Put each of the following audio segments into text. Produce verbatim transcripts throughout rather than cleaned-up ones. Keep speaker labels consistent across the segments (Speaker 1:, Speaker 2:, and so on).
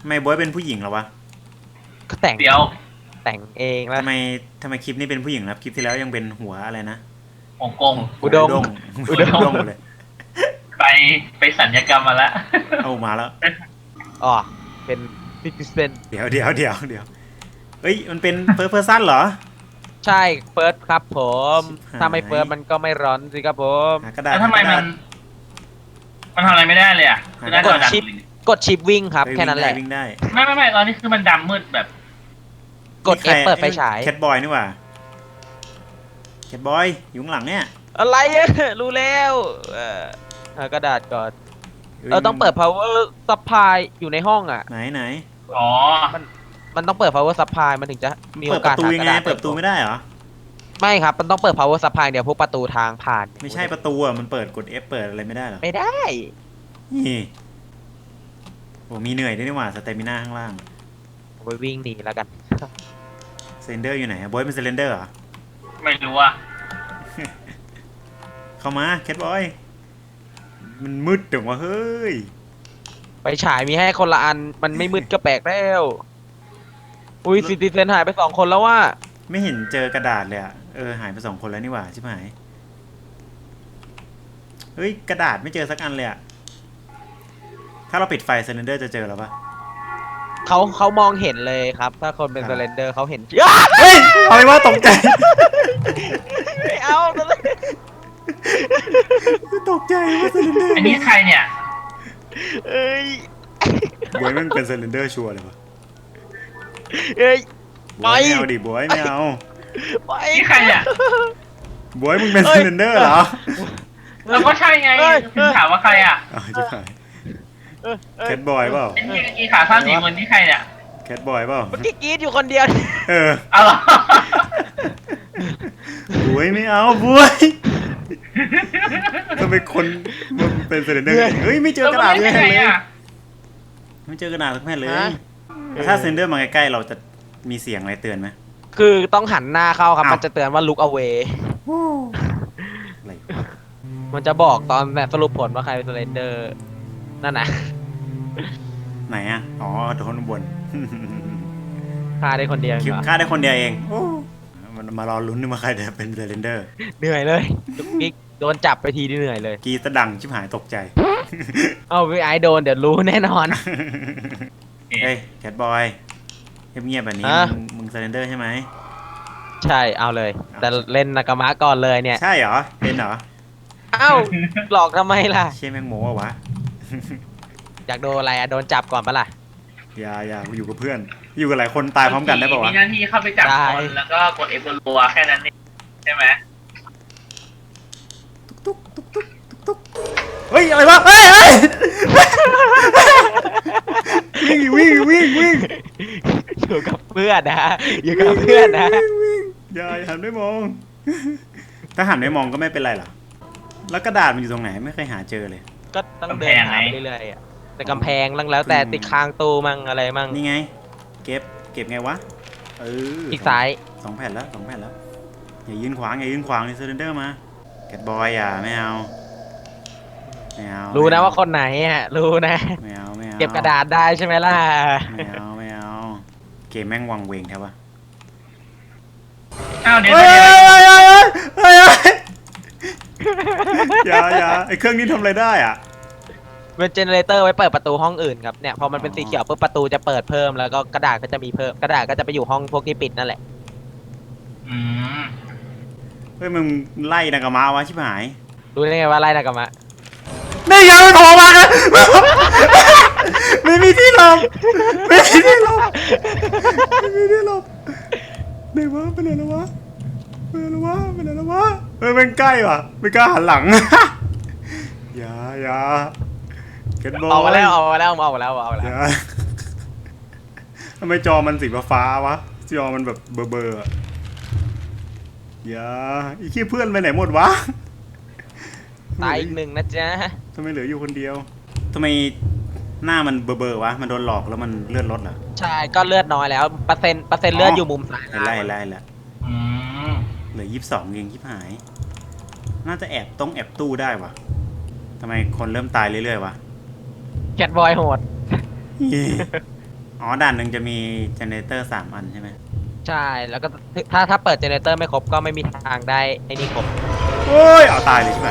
Speaker 1: ทำไมบอยเป็นผู้หญิงเหรอวะ
Speaker 2: ก็แต่ง
Speaker 3: เดี๋ยว
Speaker 2: แต่งเองแล้ว
Speaker 1: ทำไมทำไมคลิปนี้เป็นผู้หญิงครับคลิปที่แล้วยังเป็นหัวอะไรนะ
Speaker 3: ฮ่องกง
Speaker 2: อุดม
Speaker 1: หัว
Speaker 2: อุ
Speaker 1: อุ
Speaker 2: ด
Speaker 1: ด
Speaker 2: ม
Speaker 1: งเลย
Speaker 3: ไปไปสัญญกรรมมาแล้ว
Speaker 1: เอามาแล้ว
Speaker 2: อ๋อเป็นฟิกเซน
Speaker 1: เดี๋ยวเดี๋ยวเดี๋ยวเดี๋ยวเอ้ยมันเป็นเฟิร์สเพอร์ซันเหรอ
Speaker 2: ใช่เฟิร์สครับผม
Speaker 1: ชิบหาย
Speaker 2: ถ้าไม่เฟิร์สมันก็ไม่ร้อนสิครับผม
Speaker 1: หากระดาษ
Speaker 3: แล้วทำไม
Speaker 1: หากระ
Speaker 3: มั
Speaker 1: ดาษ
Speaker 3: น มันทำอะไรไม่ได้เลยอ่ะคือได้
Speaker 2: ก
Speaker 3: แต่
Speaker 2: ด
Speaker 3: ดำ
Speaker 2: ชิปกดชิปวิ่งครับ
Speaker 1: เฮ้ย
Speaker 2: แค่นั้นแหละ
Speaker 1: วิ่งได้
Speaker 3: ไม่ไม่ไม่ตอนนี้คือมันดำมืดแบบ
Speaker 2: กด F เปิดไฟฉาย
Speaker 1: แคทบอยนี่หว่าแคทบอยอยู่ข้างหลังเนี่ย
Speaker 2: อะไรอะรู้แล้วเออเอากระดาษก่อนเออต้องเปิด power supply อยู่ในห้องอ่ะ
Speaker 1: ไหนไหน
Speaker 3: อ๋อ
Speaker 2: มันต้องเปิด power supply มันถึงจะมี
Speaker 1: เปิ
Speaker 2: โอ
Speaker 1: ดป
Speaker 2: กาส
Speaker 1: ระตู
Speaker 2: หา
Speaker 1: ยั
Speaker 2: ก
Speaker 1: ง
Speaker 2: ระ
Speaker 1: ไง
Speaker 2: ดาษ
Speaker 1: เปิดประตูไม่ได้เหรอ
Speaker 2: ไม่ครับมันต้องเปิด power supply เดี๋ยวพวกประตูทางผ่าน
Speaker 1: ไม่ใช่ประตูอ่ะมันเปิดกด F เปิดอะไรไม่ได้เหรอ
Speaker 2: ไม่ได้
Speaker 1: นี่โอ้มีเหนื่อยด้วยนี่หว่าสเตมิน่าข้างล่าง
Speaker 2: ไปวิ่งหนีแล้วกัน
Speaker 1: เซนเดอร์อยู่ไหนอะบอยเป็นเซนเดอร์เหรอ
Speaker 3: ไม่รู้อ่ะ
Speaker 1: เข้ามาแคทบอยมันมืดจังวะเฮ้ย
Speaker 2: ไปฉายมีให้คนละอันมันไม่มืดก็แปลกแล้วอุ้ยซิติเซนหายไปสองคนแล้วว่า
Speaker 1: ไม่เห็นเจอกระดาษเลยอะเออหายไปสองคนแล้วนี่หว่าชิบหายเฮ้ยกระดาษไม่เจอสักอันเลยอะถ้าเราปิดไฟเซนเดอร์จะเจอหรอปะ
Speaker 2: เขาเขามองเห็นเลยครับ ถ้าคนเป็น
Speaker 1: ค
Speaker 2: เซ
Speaker 1: รับ
Speaker 2: เลนเดอร์เขาเห็น
Speaker 1: เฮ้ยอะไรวะตกใจ
Speaker 2: ไม่เอาเลย
Speaker 1: ตกใจว่าเซนเดอร์
Speaker 3: อันนี้ใครเนี่ย
Speaker 2: เอ้ย
Speaker 1: บอยมันเป็นเซนเดอร์ชัวร์เลยวะ
Speaker 2: เอ้ย
Speaker 1: บอย
Speaker 2: ไป
Speaker 1: ไม่เอาดิบอยไม่เอา
Speaker 2: ไป
Speaker 3: นี่ใครเนี่ย
Speaker 1: บอยมึงเป็น
Speaker 2: เฮ้
Speaker 1: เซ
Speaker 2: ย
Speaker 1: นเดอร์เหรอ
Speaker 3: เราก็ใช่ไง
Speaker 2: เอ้ย
Speaker 3: คุณถามว่าใครอ่ะ
Speaker 1: อ้าวชิบหาย
Speaker 2: เออเออ
Speaker 1: แคทบอยเปล่า
Speaker 3: ไอ้นี่อีขาสั้นสีคนที่ใครเนี่ย
Speaker 1: แคทบอยเปล่า
Speaker 2: เมื่อกี้กรีดอยู่คนเดียว
Speaker 1: เออ
Speaker 3: เอาเหรอบ
Speaker 1: วยไม่เอาบวยทำไมคนมันเป็นเซนเดอร์เฮ้ยไม่เจอกระดาษ
Speaker 3: แล้ว
Speaker 1: เล
Speaker 3: มัน
Speaker 1: ย
Speaker 3: ไม่ใช่ไงอ่ะ
Speaker 1: ไม่เจอกระดาษสักแผ่นเลย
Speaker 2: ฮะ
Speaker 1: แล้วถ้าเซนเดอร์มาใกล้ๆเราจะมีเสียงอะไรเตือนไหม
Speaker 2: คือต้องหันหน้าเข้าครับ
Speaker 1: อ้าว
Speaker 2: มันจะเตือนว่า look away
Speaker 1: อะไร
Speaker 2: มันจะบอกตอนแบบสรุปผลว่าใครเป็นเซเลนเดอร์นั่นนะ
Speaker 1: ไหนอ่ะอ๋อโดนบน
Speaker 2: ฆ่าได้คนเดียว
Speaker 1: คลิป
Speaker 2: เหรอ
Speaker 1: ฆ่าได้คนเดียวเองโอ้มันมารอลุ้นว่าใครจะเป็นเซนเดอร์
Speaker 2: เหนื่อยเลยจุกกิ๊กโดนจับไปทีนี่เหนื่อยเลย
Speaker 1: กีตะดังชิบหายตกใจ
Speaker 2: เอาไปไอโดนเดี๋ยวรู้แน่นอน
Speaker 1: เฮ้ยแคทบอยเงียบๆแบบนี้
Speaker 2: ฮะ
Speaker 1: มึงมึงเซนเดอร์ใช่ไหม
Speaker 2: ใช่เอาเลย แต่เล่นนากามะก่อนเลยเนี่ย
Speaker 1: ใช่เหรอเป็นเหรอ
Speaker 2: เอ้าหลอกทำไมล่ะ
Speaker 1: เชี่ยแมงโมวะวะ
Speaker 2: อยากโดนอะไรอะโดนจับก่อนปะล่ะ
Speaker 1: อย่าอย่าอยู่กับเพื่อน อยู่กับหลายคนตายพร้อมกันได้ป่าวะ
Speaker 3: มีหน้าที่เข้าไปจับ
Speaker 2: ได้
Speaker 3: คนแล้วก็กดเอฟรัวๆแค่นั้นเองใช่ไหม
Speaker 1: ตุ๊กตุ๊กตุ๊กตุ๊กตุ๊กเฮ้ยอะไรวะเฮ้ยเฮ้ยวิ่งวิ่งวิ่งวิ่ง
Speaker 2: อยู่กับเพื่อนนะอยู่กับเพื่อนนะ
Speaker 1: วิ่งวิ่งอย่าอย่าหันไม่มอง ถ้าหันไม่มองก็ไม่เป็นไรหรอแล้วกระดาษมันอยู่ตรงไหนไม่เคยหาเจอเลย
Speaker 2: ก็ต้องเดินหาไปเรื่อยๆอะแต่กำแพงแล้วแต่ติดคางตูมั่งอะไรมั่ง
Speaker 1: นี่ไง เก็บเก็บไงวะเออ
Speaker 2: อีกซ้าย
Speaker 1: สองแผ่นแล้วสองแผ่นแล้วอย่ายืนขวางอย่ายืนขวางนี่เซนเดอร์มาแคทบอยอย่าไม่เอาไม่เอา
Speaker 2: รู้นะ
Speaker 1: ไม่เอ
Speaker 2: ว่าคนไหนอ่ะรู้นะ
Speaker 1: ไม่เอาไม่เอา
Speaker 2: เก็บกระดาษได้ใช่ไหมล่ะ
Speaker 1: ไม่เอาไม่เอาเกมแม่งวังเวงแท้วะ
Speaker 3: อ้าวเดี๋ยว
Speaker 1: เฮ้ย
Speaker 3: เดี๋ยว
Speaker 1: เฮ้ยเฮ้ยเฮ้ยเฮ้ยอย่าอย่าไอเครื่องนี้ทำอะไรได้อ่ะ
Speaker 2: เป็นเจเนเรเตอร์ไว้เปิดประตูห้องอื่นครับเนี่ยพอมันเป็นสีเขียวปุ๊บประตูจะเปิดเพิ่มแล้วก็กระดาษก็จะมีเพิ่มกระดาษก็จะไปอยู่ห้องพวกที่ปิดนั่นแหละ
Speaker 3: อืม
Speaker 1: เฮ้ยมึงไล่นากามาวะชิบหาย
Speaker 2: รู้ได้ไงว่าไล่นากามะ
Speaker 1: นี่ยังไม่โผล่มานะไม่มีที่หลบไม่มีที่หลบไม่มีที่หลบไหนวะไปไหนแล้ววะไปไหนแล้ววะไปไหนแล้ววะเฮ้ยมันใกล้ว่ะไม่กล้าหันหลังอย่าอย่าเก็ตบอล
Speaker 2: ออกมาแล้วออกมาแล้วออกมาแล้วออกมาแล้ว
Speaker 1: อย่าทำไมจอมันสีฟ้าๆวะจอมันแบบเบอร์เบอร์อะอย่าอีขี้เพื่อนไปไหนหมดวะ
Speaker 2: ตายอีกหนึ่งนะจ๊ะ
Speaker 1: ทำไมเหลืออยู่คนเดียวทำไมหน้ามันเบอร์เบอร์วะมันโดนหลอกแล้วมันเลือดลดเหรอ
Speaker 2: ใช่ก็เลือดน้อยแล้วเปอร์เซ็นต์เปอร์เซ็นต์เลือดอยู่มุมซ้าย
Speaker 1: เห็นแล้วเห็นแล้วเห็นแล้ว
Speaker 3: อืม
Speaker 1: เหลือยี่สิบสองเองชิบหาย น่าจะแอบต้องแอบตู้ได้วะทำไมคนเริ่มตายเรื่อยๆวะ
Speaker 2: แคทบอยโหด
Speaker 1: เฮ้ยอ๋อด่านหนึ่งจะมีเจเนเรเตอร์สามอันใช่ไหม
Speaker 2: ใช่แล้วก็ถ้าถ้าเปิดเจเนเรเตอร์ไม่ครบก็ไม่มีทางได้ไอ้นี่ครบ
Speaker 1: โอ้ยเอาตายเลยใช่ไหม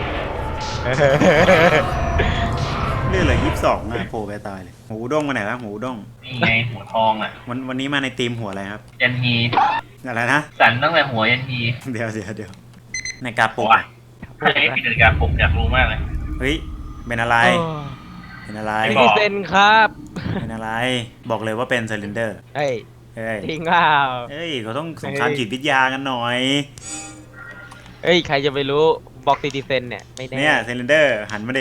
Speaker 1: เรื่องอะไรยี่สิบสองอะโผล่ไปตายเลยหูด้งมาไหนแล้วหูด้ง
Speaker 3: นี่ไงหัวทองอ่ะ
Speaker 1: วันวันนี้มาในทีมหัวอะไรครับ
Speaker 3: ยันฮี
Speaker 1: อะไรนะ
Speaker 3: สันตั้งแต่หัวยันฮี
Speaker 1: เดี๋ยวเดี๋ยวเดี๋ยวในกาปุก
Speaker 3: ว้า
Speaker 1: อะ
Speaker 3: ใครมีนาฬิกาปลุกอยากรู้มากเลย
Speaker 1: เฮ้ยเป็นอะไรเป็นอะไร
Speaker 3: ไม่
Speaker 2: ซิ
Speaker 3: บ
Speaker 2: ติ
Speaker 3: อก
Speaker 2: เซนครับ
Speaker 1: เป็นอะไรบอกเลยว่าเป็นเซลินเดอร์
Speaker 2: เฮ้ย
Speaker 1: เฮ้ย
Speaker 2: จริงเปล่า
Speaker 1: เฮ้ยเขาต้องสงครามจิตวิทยากันหน่อย
Speaker 2: เฮ้ยใครจะไปรู้บอกซิติเซนเนี่ยไม่แน่
Speaker 1: เนี่ยเซลินเดอร์หันมาดิ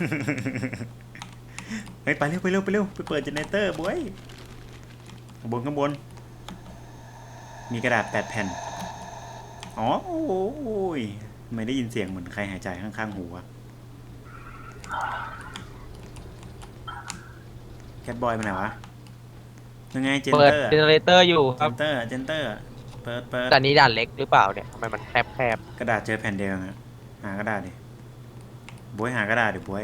Speaker 1: เฮ้ยไปเร็วไปเร็วไปเร็วไปเปิดเจเนเรเตอร์บวยข้างบนข้างบนมีกระดาษแปดแผ่นอ๋อโอ้ยไม่ได้ยินเสียงเหมือนใครหายใจข้างๆหูอะแคทบอยไปไหนวะยังไงเจน
Speaker 2: เปิด
Speaker 1: เตอร์
Speaker 2: เจเนเรเตอร์อยู่ค
Speaker 1: เจ
Speaker 2: รับ
Speaker 1: นเตอร์เจนเตอร์เปิดเปิด
Speaker 2: แต่นี้ด่านเล็กหรือเปล่าเนี่ยทำไมมันแคบแคบ
Speaker 1: กระดาษเจอแผ่นเดียวฮะหากระดาษดิบวยหากระดาษดิบวย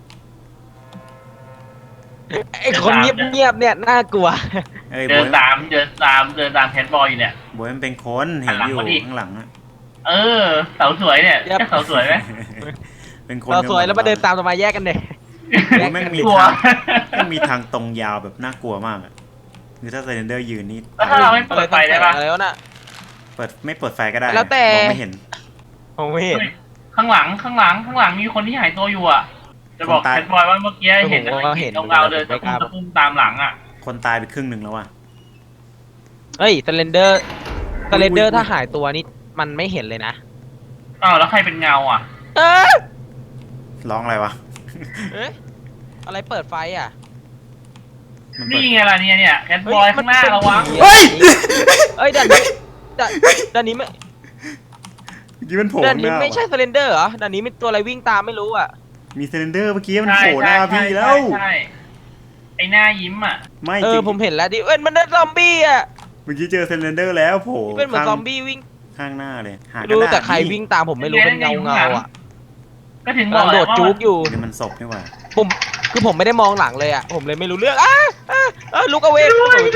Speaker 2: ไอ้คนเงียบเงียบๆเนี่ยน่ากลัว
Speaker 1: เอ้ยบ
Speaker 3: เดิ
Speaker 1: วน ย
Speaker 3: ตามเดินตามเดินตามแคทบอยอยู่เนี่ย
Speaker 1: บวยมันเป็นคนเห็นอยู่
Speaker 3: หันหลังมาดิ
Speaker 1: ข้างหลังอะ
Speaker 3: เออเสาสวยเนี่ย
Speaker 2: ยับ
Speaker 3: ใช่เสาสวยไหม
Speaker 1: เป็นคน
Speaker 2: เราสวยแล้วมาเดินตามทำไมแยกกันเนี่ย
Speaker 1: โอ้ยแม่งมี
Speaker 3: กลัว
Speaker 1: ทางแม่งมีทางตรงยาวแบบน่ากลัวมากอะคือถ้าเซเลนเดอร์ยืนนี่
Speaker 3: แล้วถ้าเราไม่เปิดไฟได้ปะ
Speaker 2: อะไรวะน่ะ
Speaker 1: เปิดไม่เปิดไฟก็ได้
Speaker 2: แล้วแต่
Speaker 1: มองไม่เห็น
Speaker 2: ผมไม่เห็น
Speaker 3: เฮ้ยข้างหลังข้างหลังข้างหลังมีคนที่หายตัวอยู่อ่ะ จะบอก
Speaker 1: คนตาย
Speaker 3: แคทบอยว่าเมื่อกี้เห็น
Speaker 2: ผมก็เห็น
Speaker 3: ตรงเราเดินตะคุ่มตะคุ่มตามหลังอ่ะ
Speaker 1: คนตายไปครึ่งหนึ่งแล้วอะ
Speaker 2: เฮ้ยสเลนเดอร์สเลนเดอ
Speaker 1: อุ๊
Speaker 2: ร์
Speaker 1: ย
Speaker 2: ถ้าหายตัวนี่มันไม่เห็นเลยนะ
Speaker 3: อ้าวแล้วใครเป็นเงาอ่ะ
Speaker 2: เออ
Speaker 1: ร้องอะไรวะ
Speaker 2: เอ๊ะอะไรเปิดไฟอ่ะ
Speaker 1: มันเปิด
Speaker 3: นี่ไงล่ะเนี่ยเนี่ยแคทบอยข้างหน้าระวัง
Speaker 1: เฮ้ย
Speaker 2: เอ้ยด่านนี้ด่านด่านนี้ไม่
Speaker 1: เมื่อกี้มันโผล่
Speaker 2: ด่าน
Speaker 1: ข้างห
Speaker 2: นี้
Speaker 1: น้า
Speaker 2: ไม่ใช่
Speaker 1: ว่ะ
Speaker 2: สเลนเดอร์เหรอด่านนี้มีตัวอะไรวิ่งตามไม่รู้อ่ะ
Speaker 1: มีเซเลนเดอร์เมื่อกี้มัน
Speaker 3: ใช่
Speaker 1: โผล่หน้า
Speaker 3: ใช่
Speaker 1: พี่
Speaker 3: ใช่
Speaker 1: แล้ว
Speaker 3: ใช่ไอ้หน้ายิ้มอ่ะ
Speaker 1: ไม่
Speaker 2: เอ
Speaker 1: จริ
Speaker 2: อง ผมเห็นแล้วดิเอ้ยมันเป็นซอมบี้อ่ะ
Speaker 1: เมื่อกี้เจอเซเลนเดอร์แล้วโผล่
Speaker 2: ที่เป็นเหมือน
Speaker 1: ข้าง
Speaker 2: ซอมบี้วิ่ง
Speaker 1: ข้างหน้าเลยหา
Speaker 2: ไม่
Speaker 1: กระ
Speaker 2: รู้
Speaker 1: ดาษ
Speaker 2: แต่ใคร
Speaker 1: นี่
Speaker 2: วิ่งตามผมไม่รู้เป็นเงาเงาๆอ่ะ
Speaker 3: ก็ถึงบ
Speaker 2: กำ
Speaker 3: อ
Speaker 2: ลั
Speaker 3: ก
Speaker 2: งโดดจุกอยู่
Speaker 1: นี่มันศพนี่หว่า
Speaker 2: ผมคือผมไม่ได้มองหลังเลยอ่ะผมเลยไม่รู้เรื่องอ้าอ้าอ้าลุกเอาเวก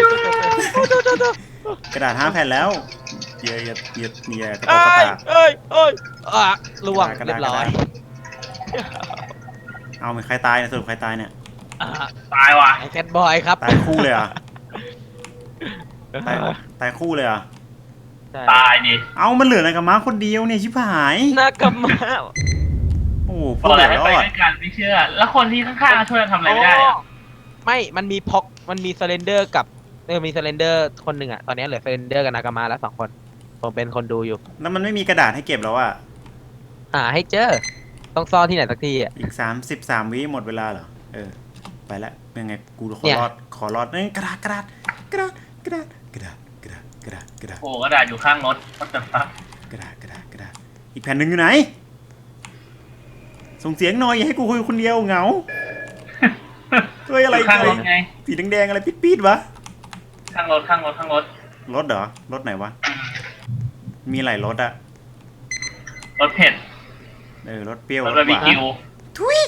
Speaker 1: กระดาษห้าแผ่นแล้วเยอะเยอะเยอะเยอะกระตก
Speaker 2: เอ้
Speaker 1: กระ
Speaker 2: ย
Speaker 1: ตาก
Speaker 2: เอ้ยเอ้ยอ่ะล่วง
Speaker 1: กระดาษ
Speaker 2: เรียบร้อย
Speaker 1: เอามีใครตายเนี่ยสรุปใครตายเนี่ย
Speaker 2: อ่ะ
Speaker 3: ตายว่ะ
Speaker 2: ไอ้แคทบอยครับ
Speaker 1: ตายคู่เลยเหรอ่ะตายตายคู่เลยเหรอ่ะ
Speaker 2: ใช่
Speaker 3: ตายดิ
Speaker 1: เอามันเหลืออะไรกับม้าคนเดียวเนี่ยชิบหาย
Speaker 2: น่ากำมา
Speaker 1: โอ้โห
Speaker 3: บ
Speaker 1: พู
Speaker 3: อ
Speaker 1: ด
Speaker 3: ก
Speaker 1: เห
Speaker 3: แล้
Speaker 1: ลื
Speaker 3: ว
Speaker 1: อ
Speaker 3: ให้
Speaker 1: ร
Speaker 3: ไป
Speaker 1: อด
Speaker 3: ด้วยกันไม่เชื่อ แล้วคนที่ข้างๆช่วยกันทำอะไรไม่ได้อะ
Speaker 2: ไม่มันมีพ็อกมันมีสเลนเดอร์กับเออมีสเลนเดอร์คนหนึ่งอ่ะตอนนี้เหลือสเลนเดอร์กับนากามาแล้วสองคนผมเป็นคนดูอยู่
Speaker 1: แล้วมันไม่มีกระดาษให้เก็บแล้วอ่ะ
Speaker 2: หาให้เจอต้องซ่อนที่ไหนสักทีอ่ะ
Speaker 1: อีกสามสิบสามวิหมดเวลาเหรอเออไปแล้วยังไงกูขอ
Speaker 2: เนี่ย
Speaker 1: รอดขอรอดเอ้ยกระดาษกระดาษกระดาษกระดาษกระดาษกระดาษกระดาษกระดาษ
Speaker 3: โอ้กระดาษอยู่ข้างรถก็จะฟัก
Speaker 1: กระดาษกระดาษกระดาษอีกแผ่นหนึ่งอยู่ไหน ส่งเสียงหน่อยอย่าให้กูคุยคนเดียวเหงาเฮ้ยอะไร
Speaker 3: ยู่ข้างรถไง
Speaker 1: สีแดงๆอะไรปิดๆวะ
Speaker 3: ข้างรถข้างรถข้างรถ
Speaker 1: รถเหรอรถไหนวะมีหลายรถอะ
Speaker 3: รถเผ็ด
Speaker 1: เออรถเปรี้ยว
Speaker 3: ร
Speaker 1: ร
Speaker 3: ถ
Speaker 1: ถ
Speaker 3: บาร์
Speaker 1: ห
Speaker 3: บี
Speaker 1: วาน
Speaker 3: คิว
Speaker 1: ทุย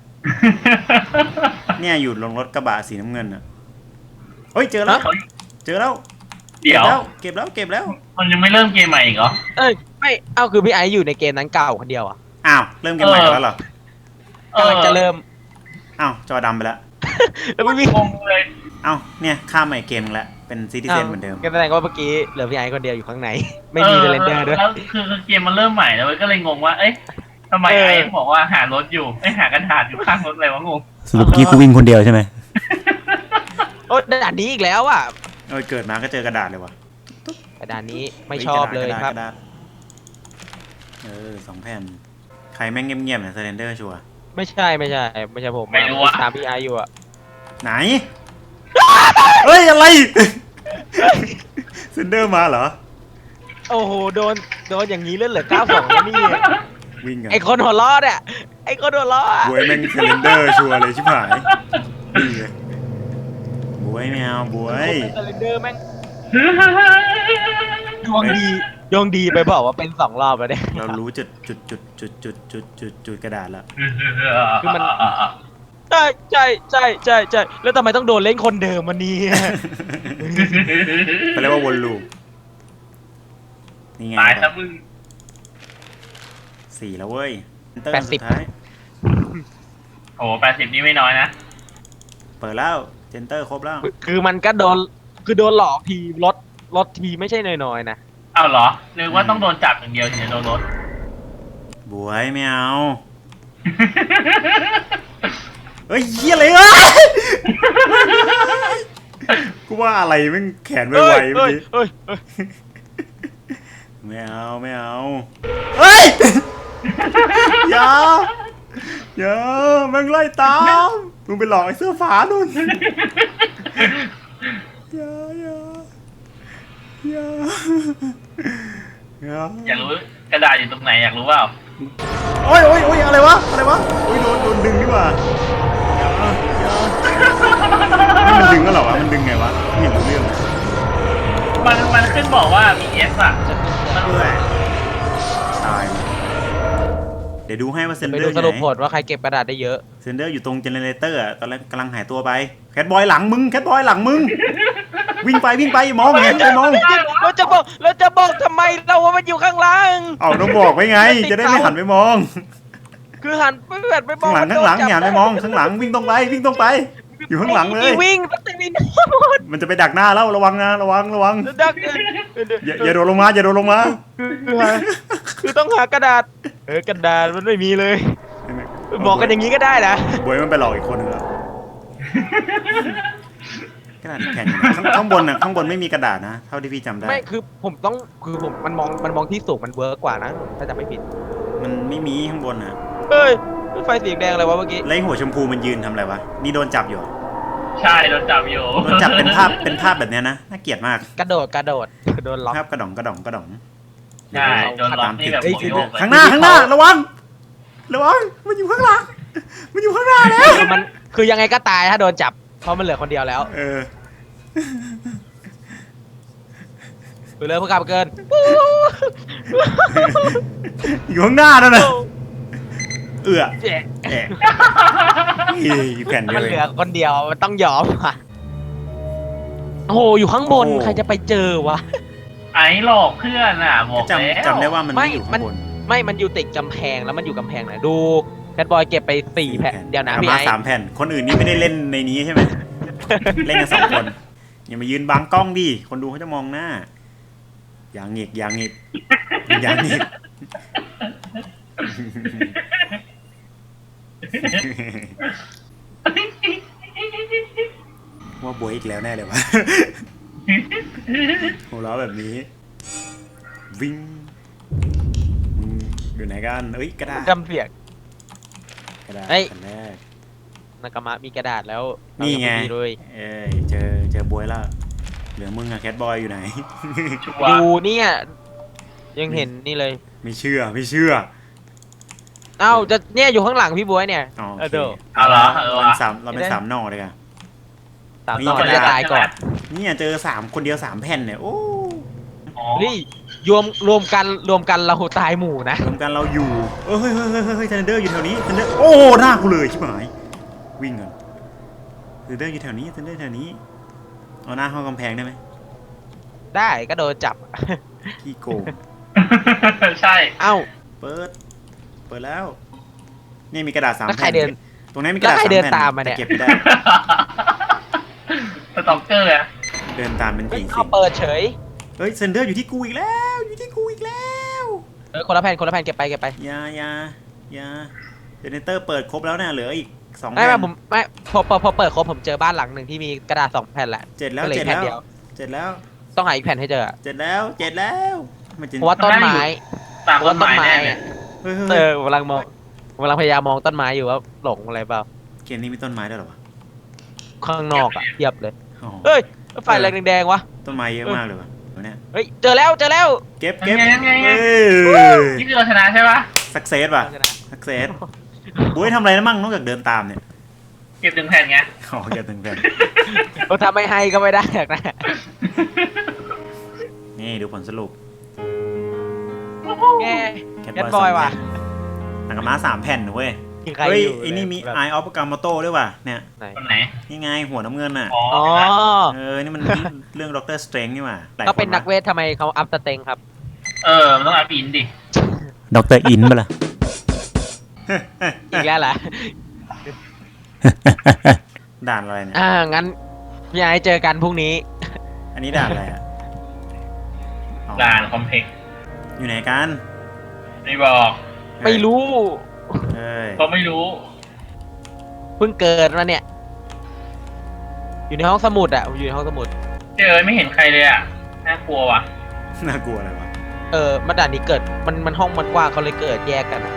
Speaker 1: เนี่ยอยู่ลงรถกระบะสีน้ำเงินอะเฮ้ยเจอแล้ว
Speaker 3: เขา
Speaker 1: เจอแล้ว
Speaker 3: เดี๋ยว
Speaker 1: เก็บแล้วเก็บแล้ว
Speaker 3: มันยังไม่เริ่มเกมใหม่อีกเหรอ
Speaker 2: เอ้ยไม่เอ้าคือพี่ไอซ์อยู่ในเกมนั้นเก่าคนเดียวอ่ะ
Speaker 1: อ้าวเริ่มเกมใหม่กันแล้วเหรอก
Speaker 2: ำลังจะเริ่ม
Speaker 1: อ้าวจอดำไปแล้ว
Speaker 2: แล้วไม่มี
Speaker 3: งงเลย
Speaker 1: อ้าวเนี่ยข้ามใหม่เกมนึงแล้วเป็นซิติเซนเหมือนเดิม
Speaker 2: ก็แสดงว่าเมื่อกี้เหลือพี่ไอซ์คนเดียวอยู่ข้างในไม่มีสเลนเดอร์ด้วย
Speaker 3: แล้วคือคือเกมมันเริ่มใหม่แล้วเว้ยก็เลยงงว่า เอ๊ะทำไม
Speaker 2: เออ
Speaker 3: ไอ้บอกว่าหารถอยู่ไอ้ยหากระดาษอยู่ข้างรถอะไรวะงง
Speaker 1: สรุปเมื่อกี้กูวิ่งคนเดียวใช่ไหม
Speaker 2: โอ้ด่านนี้อีกแล้วอ่ะ
Speaker 1: เออเกิดมาก็เจอกระดาษเลยวะ
Speaker 2: แต่ด่านนี้ไม่ชอบเลยครับ
Speaker 1: กะดาษเออสองแผ่นใครแม่งเงียบๆเนี่ยเซเลนเดอร์ชัวร์
Speaker 2: ไม่ใช่ไม่ใช่ไม่ใช่ผม
Speaker 3: ไม่รู้อะ
Speaker 2: ตามพี่ไอซ์อยู่อ่ะ
Speaker 1: ไหน เฮ้ย อะไร เซนเดอร์มาเหรอ
Speaker 2: โอ้โหโดนโดนอย่างนี้เลื่อนเหลือเก้าสองแล้วนี่
Speaker 1: วิ่งกัน
Speaker 2: ไอคนหัวล้อเนี่ยไอคนหัวล้ออะ
Speaker 1: บวยแม่งเซเลนเดอร์ชัวร์เลยชิบหายนี่ไงบวยไม่เอาบวย
Speaker 2: สเลนเดอร์แม่งดวงดีดวงดีไปบอกว่าเป็นสองรอบแล้วเนี่ย
Speaker 1: เรารู้จุดจุดจุดจุดจุดจุดจุดจุดกระดาษแล้ว
Speaker 2: คือมัน เใช่ใช่ใช่ใช่ใช่แล้วทำไมต้องโดนเล่นคนเดิมวันนี้
Speaker 1: เขาเรียกว่าวนลูปนี่ไง
Speaker 3: ตายซะมึง
Speaker 1: สี่แล้วเว้ยเอนเตอร์
Speaker 2: แปดสิ
Speaker 1: สุ
Speaker 2: บ
Speaker 1: ดท้าย
Speaker 3: โอ้แปดสิบนี่ไม่น้อยนะ
Speaker 1: เปิดแล้วเจนเตอร์ครบแล้ว
Speaker 2: คือมันก็โดนคือโดนหลอกทีลดลดทีไม่ใช่น้อยๆนะ
Speaker 3: เอาเหรอหรือว่าต้องโดนจับอย่างเดียวถึงจะโดนรถ
Speaker 1: บวยไม่เอาเฮ้ยเฮียอะไรวะกูว่าอะไรแม่งแขนไวๆเมื่อกี้
Speaker 2: เอ้ยเอ้ย
Speaker 1: ไม่เอาไม่เอาเฮ้ยอย่าอย่าแม่งไล่ตามมึงไปหลอกไอ้เสื้อฟ้านู่นอย่าอย่าอย่าอย่า
Speaker 3: อยากรู้กระดาษอยู่ตรงไหนอยากรู้เปล่า
Speaker 1: โอ้ยโอ้ยโอ้ยอะไรวะอะไรวะโอ้ยโดนโดนดึงดีกว่าอย่าอย่านี่มันดึงก็เหรอวะมันดึงไงวะไม่เห็นรู้เรื่องเลย
Speaker 3: มันมันขึ้นบอกว่ามีเอสอะมัน
Speaker 1: เพื่อตายเดี๋ยวดูให้ว่าเซน
Speaker 2: ไป
Speaker 1: เดอ
Speaker 2: ดู
Speaker 1: ร์อ
Speaker 2: ส
Speaker 1: ยู่
Speaker 2: รุป
Speaker 1: ไห
Speaker 2: ผ
Speaker 1: น
Speaker 2: ลว่าใครเก็บกระดาษได้เยอะ
Speaker 1: เซนเดอร์อยู่ตรงเจเนเรเตอร์ตอนแรกกำลังหายตัวไปแคทบอยหลังมึงแคทบอยหลังมึงวิ่งไปวิ่งไปมองเห็นไปมอง
Speaker 2: เราจะบอกเราจะบอกทำไมเราว่ามันอยู่ข้างล่าง
Speaker 1: เอาต้องบอกไว้ไง จะได้ไม่หันไปมอง
Speaker 2: คือหันไปแบบไปมอ
Speaker 1: ข้าง งหลังข้างหลังอย่าหันไปมองข้างหลังวิ่งตรงไปวิ่งตรงไป อยู่ข้างหลังเลย
Speaker 2: วิ่งตั้งแต่วิน
Speaker 1: มันจะไปดักหน้าแล้วระวังนะระวังระวัง
Speaker 2: ดัก
Speaker 1: อย่าอย่าโดดลงมาอย่าโดดลงมา
Speaker 2: คือหาคือต้องหากระดาษเออกระดาษมันไม่มีเลยบอกกันอย่างนี้ก็ได้นะ
Speaker 1: บวยมันไปหลอกอีกคนนึงแล้วกระดาษแผ่นอยู่ไหนข้างข้างบนน่ะข้างบนไม่มีกระดาษนะเท่าที่พี่จำได้
Speaker 2: ไม่คือผมต้องคือผมมันมองมันมองที่สูงมันเวิร์กกว่านะถ้าจำไม่ผิด
Speaker 1: มันไม่มีข้างบนน่ะ
Speaker 2: เฮ้ยไฟสีแดงอะไรวะเมื่อกี้
Speaker 1: แล้วไอ้หัวชมพูมันยืนทำอะไรวะนี่โดนจับอยู่เหรอ
Speaker 3: ใช่โดนจับอยู่
Speaker 1: โดนจับเป็นภาพเป็นภาพแบบเนี้ยนะน่าเกลียดมาก
Speaker 2: กระโดดกระโดดโดนล็อก
Speaker 1: ภาพกระดองกระดองกระดอง
Speaker 3: ใช่โดนล็อกนี่แบบหัวโยกเลย
Speaker 1: ข้างหน้าข้างหน้าระวังระวังมันอยู่ข้างหลังมันอยู่ข้างหน้าแล้ว
Speaker 2: คือมันคือยังไงก็ตายถ้าโดนจับเพราะมันเหลือคนเดียวแล้ว
Speaker 1: เออ
Speaker 2: ไปเลยพวกกลับเกิน
Speaker 1: อยู่ข้างหน้านั่นน่ะเอือ
Speaker 2: เจ๊
Speaker 1: แอะอีแผ่นเดีย
Speaker 2: มั
Speaker 1: วน
Speaker 2: เห
Speaker 1: เอ
Speaker 2: ลือง คนเดียวมันต้องยอมอ่ะโอ้โหอยู่ข้างบน
Speaker 1: โอ้โห
Speaker 2: ใครจะไปเจอวะ
Speaker 3: ไอ้หลอกเพื่อนอ่ะบอกแล้ว
Speaker 1: จำจำได้ว่ามัน
Speaker 2: ไม่
Speaker 1: ไม่อยู่
Speaker 2: มั
Speaker 1: ข้าน งบน
Speaker 2: ไม่มันอยู่ติดกำแพงแล้วมันอยู่กำแพงไหนดูแคทบอยเก็บไปสี่แผ่นเดี๋ยวนะ
Speaker 1: อา
Speaker 2: พี่
Speaker 1: มา
Speaker 2: ไอ้
Speaker 1: สามแผ่นคนอื่นนี่ไม่ได้เล่นในนี้ใช่ไหม เล่นกันสองคนอย่ามายืนบังกล้องดิคนดูเขาจะมองหน้าอย่างหงิกอย่างหงิกอย่างหงิก ว่าบวยอีกแล้วแน่เลยวะ หัวเราะแบบนี้ วิ่งอืมอยู่ไหนกันเอ้ยกระดาษ
Speaker 2: จำเสียง
Speaker 1: กระดาษ
Speaker 2: เฮ้ย
Speaker 1: อันแรก
Speaker 2: นากามะมีกระดาษแล้ว
Speaker 1: นี่ไง
Speaker 2: เรายังม่มีเลย
Speaker 1: เอ้ยเจอเจอบวยแล้วเหลือมึงอะแคทบอยอยู่ไหน
Speaker 3: ชัว
Speaker 2: ดู
Speaker 3: ร์
Speaker 2: เนี่ยยังเห็นนี่เลย
Speaker 1: ไม่เชื่อไม่เชื่อ
Speaker 2: เอ้าจะเนี่ยอยู่ข้างหลังพี่บ๊วยเนี่ย
Speaker 1: อ๋อ
Speaker 2: เอ
Speaker 1: โอ
Speaker 2: อ
Speaker 1: เค
Speaker 2: เดี๋ยว
Speaker 3: เอาเหรอเออ
Speaker 1: เรา
Speaker 3: วะ
Speaker 1: เป็นสามเราเป็นสามหน่อเลยกัน
Speaker 2: สาม
Speaker 1: นี่
Speaker 2: ต่อก
Speaker 1: ระดาษ
Speaker 2: จะตายก่อน
Speaker 1: เนี่ยเจอสามคนเดียวสามแผ่นเนี่ยโอ้
Speaker 3: อ๋อ
Speaker 2: นี่รวมรวมกันรวมกันเราตายหมู่นะ
Speaker 1: รวมกันเราอยู่เอ้ยเฮ้ยเฮ้ยเฮ้ยเฮ้ยเทนเดอร์อยู่แถวนี้เทนเดอร์โอ้หน้ากูเลยชิบหายวิ่งก่อนเทนเดอร์อยู่แถวนี้เทนเดอร์แถวนี้เอาหน้าเข้ากำแพงได้ไหม
Speaker 2: ได้ก็โดนจับ
Speaker 1: ขี้โกง
Speaker 3: ใช่
Speaker 2: เอ้า
Speaker 1: เปิดเปิดแล้วนี่มีกระดาษสาม
Speaker 2: แล้วใคร
Speaker 1: แผ่น
Speaker 2: เดิน
Speaker 1: ตรงนี้มีกระดาษ
Speaker 2: แล้วใคร
Speaker 1: สาม
Speaker 2: เดิน
Speaker 1: แผ่น
Speaker 2: ตามมาเนี่ย
Speaker 1: แต่เก็บไม่ได้
Speaker 3: สต็อกเกอร์อะ
Speaker 1: เดินตามเป็น
Speaker 2: เฮ้ย
Speaker 1: ผีสิ
Speaker 2: เขา
Speaker 1: ง
Speaker 2: เปิดเฉย
Speaker 1: เฮ้ยเซนเดอร์อยู่ที่กูอีกแล้ว อยู่ที่กูอีกแล้ว
Speaker 2: เออคนละแผ่นคนละแผ่นเก็บไปเก็บไป
Speaker 1: อยาอยาอยาเจเนเตอร์เปิดครบแล้วเนี่ยเหลืออีกสอง
Speaker 2: ไม่
Speaker 1: แผ่
Speaker 2: ไม่
Speaker 1: น
Speaker 2: ผมไม่พอพอพอเปิดครบผมเจอบ้านหลังหนึ่งที่มีกระดาษสองแผ่นแหละ
Speaker 1: เจ็ดแล้ว
Speaker 2: ก็เหลือ
Speaker 1: เจ็ด
Speaker 2: แผ่น
Speaker 1: แล้ว
Speaker 2: เดียว
Speaker 1: เจ็ดแล้ว
Speaker 2: ต้องหาอีกแผ่นให้เจอ
Speaker 1: เจ็ดแล้วเจ็ดแล้วมันจะ
Speaker 2: เพราะว่าต้นไม้
Speaker 3: ตาม
Speaker 2: เพราะ
Speaker 3: ต้
Speaker 2: ว่าน ต้น
Speaker 3: ไม้
Speaker 2: ไม้
Speaker 3: แน่
Speaker 2: อะ
Speaker 3: เนี่ย
Speaker 1: เฮ้ย
Speaker 2: เอ
Speaker 1: เฮ้ย
Speaker 2: อกำลังมองกำลังพยายามมองต้นไม้อยู่ว่าหลงอะไรเปล่า
Speaker 1: เกมนี้มีต้นไม้ด้วยเหรอวะ
Speaker 2: ข้างนอกอะเทียบเลย
Speaker 1: อ๋อ
Speaker 2: เฮ้ยไฟแรงแดงๆวะ
Speaker 1: ต้นไม้เยอะมากเลยวะเดี๋ยวเนี่ย
Speaker 2: เฮ้ยเจอแล้วเจอแล้ว
Speaker 1: เก็บเก็บ
Speaker 3: ยังไงยังไง
Speaker 1: เฮ้ย
Speaker 3: นี่คือเราชนะใช่ปะ
Speaker 1: สักเซสป่ะสักเซสบุ้ยทำอะไรนะมั่งนอกจากเดินตามเนี่ย
Speaker 3: เก็บถึงแผ่นไง
Speaker 1: อ๋อเก็บถึงแผ่น
Speaker 2: เราทำไม่ให้ก็ไม่ได้หรอกนะ
Speaker 1: นี่ดูผลสรุป
Speaker 2: แก
Speaker 1: แคท
Speaker 2: แคท
Speaker 1: บบ อ
Speaker 2: อย ย
Speaker 1: สอง
Speaker 2: ว่ะ
Speaker 1: แผ่นหนังกระม้าสามแผ่นนะเว้ย
Speaker 2: มีใคร
Speaker 1: เฮ้ย
Speaker 2: อยู่
Speaker 1: ไอ้นี่มี
Speaker 2: แบบ
Speaker 1: Eye of Agamotto ด้วยว่ะเนี่ย
Speaker 2: ไหน
Speaker 3: คนไหน
Speaker 1: นี่ไงหัวน้ำเงินน่ะ
Speaker 3: อ๋อ
Speaker 2: อ๋อ
Speaker 1: เออนี่มันเรื่องด็อกเตอร์สเตรนจ์นี่ว่ะหลาย
Speaker 2: ก็เป็น
Speaker 1: ค
Speaker 2: นักเวททำไมเขาอัพสเต็งครับ
Speaker 3: เออมันต้องอาปีนดิ
Speaker 1: ด็อกเตอร์อินปะล่ะ
Speaker 2: อีกแล้วเหรอ
Speaker 1: ด่านอะไรเนี่ย
Speaker 2: อ่างั้นพี่ไอ้เจอกันพรุ่งนี้
Speaker 1: อันนี้ด่านอะไรอ่ะอ๋อ
Speaker 3: ด่านคอมเพล็กซ์
Speaker 1: อยู่ไหนกัน
Speaker 3: ไม่บอก
Speaker 2: ไม่รู้
Speaker 1: เอ้ย
Speaker 3: ก็ไม่รู้
Speaker 2: เพิ่งเกิดมาเนี่ย อยู่ในห้องสมุดอะอยู่ในห้องสมุด
Speaker 3: เจอไม่เห็นใครเลยอ่ะน่ากลัวว่ะ
Speaker 1: น่ากลัวอะไรวะ
Speaker 2: เออมาด่านนี้เกิดมันมันห้องมันกว้างเขาเลยเกิดแยกกันอะ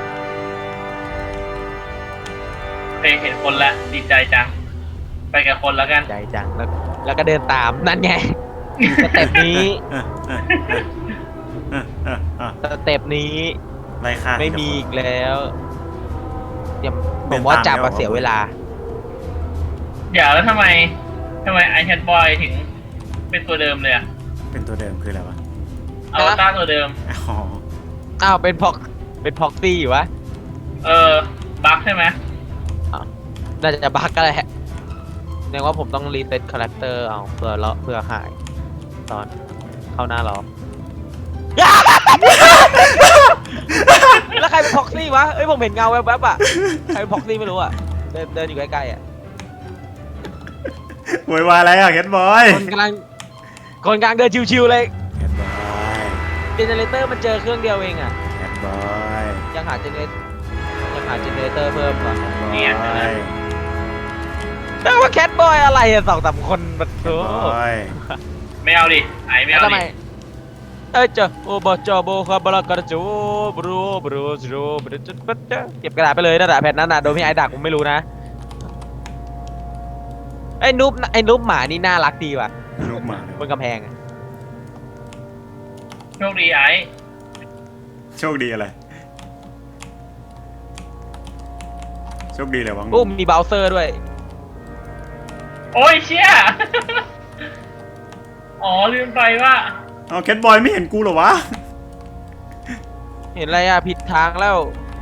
Speaker 3: เคยเห็นคนละดีใจจัง ไปกับคนแล้วกัน
Speaker 2: ใจจังแล้วแล้วก็เดินตามนั่นไงสเต็ปนี้
Speaker 1: เออเออเออเออเออ
Speaker 2: สเต็ปนี้
Speaker 1: ไล่ฆ่า
Speaker 2: ไม่มีอีกแล้วเดี๋ยวผ
Speaker 1: เดิ
Speaker 2: ม
Speaker 1: น
Speaker 2: ว่า
Speaker 1: ตาม
Speaker 2: จับ
Speaker 1: แล้ว
Speaker 2: มาเสียเวลา
Speaker 3: เดี๋ยวแล้วทำไมทำไมไอแคทบอยถึงเป็นตัวเดิมเลยอ่ะ
Speaker 1: เป็นตัวเดิมคืออะไรวะ
Speaker 3: อวตารตัวเดิม
Speaker 1: อ๋อ
Speaker 2: อ้าวเป็นพ็อกเป็นพ็อกซี่อยู่วะ
Speaker 3: เออ บั๊กใช่ไหม
Speaker 2: น่าจะบั๊กก็แหละแสดงว่าผมต้องรีเซ็ตคาแรคเตอร์เอาเพื่อเลาะเพื่อหาย ตอนเข้าหน้าล้อ แล้วใครเป็นพ็อกซี่วะเอ้ยผมเห็นเงาแวบๆอ่ะใครเป็นพ็อกซี่ไม่รู้อ่ะเดินเดินอยู่ใกล้ๆอ่ะ
Speaker 1: โวยวายอะไรอ่ะแคทบอย
Speaker 2: คนกำลังคนกลางเดินชิวๆเลย
Speaker 1: แคทบอย
Speaker 2: เจเนเรเตอร์มันเจอเครื่องเดียวเองอ่ะ
Speaker 1: แคทบอย
Speaker 2: ยังหาเจเนเรยังหาเจเนเรเตอร์เพิ่มก่อน
Speaker 3: เนี่ย
Speaker 1: บอย
Speaker 2: แต่ว่าแคทบอยอะไรอ่ะสองสามคนมัน
Speaker 1: แค
Speaker 2: โอ้
Speaker 1: ทบอย
Speaker 3: ไม่เอาดิไอไม่
Speaker 2: แล้ว
Speaker 3: เอา
Speaker 2: ทำไม
Speaker 3: ดิ
Speaker 2: เอ้ยเจ้าโอบจอโบคาบลากระจูบรูบรูบรูบรูจุดปัจจะเก็บกระดาษไปเลยนะด่าแผ่นนั้นน่ะโดนพี่ไอ้ดักผมไม่รู้นะไอ้นุ๊บไอ้นุ๊บหมานี่น่ารักดีว่ะ
Speaker 1: ลูกหมาเลย
Speaker 2: บนกำแพงอะ
Speaker 3: โชคดีไอ
Speaker 1: โชคดีอะไร โชคดีเลยวะ
Speaker 2: อู้มีเบราว์เซอร์ด้วย
Speaker 3: โอ้ยเชี่ย อ๋อลืมไปว่า
Speaker 1: เอาแคทบอยไม่เห็นกูเหรอวะ
Speaker 2: เห็นอะไรอ่ะผิดทางแล้ว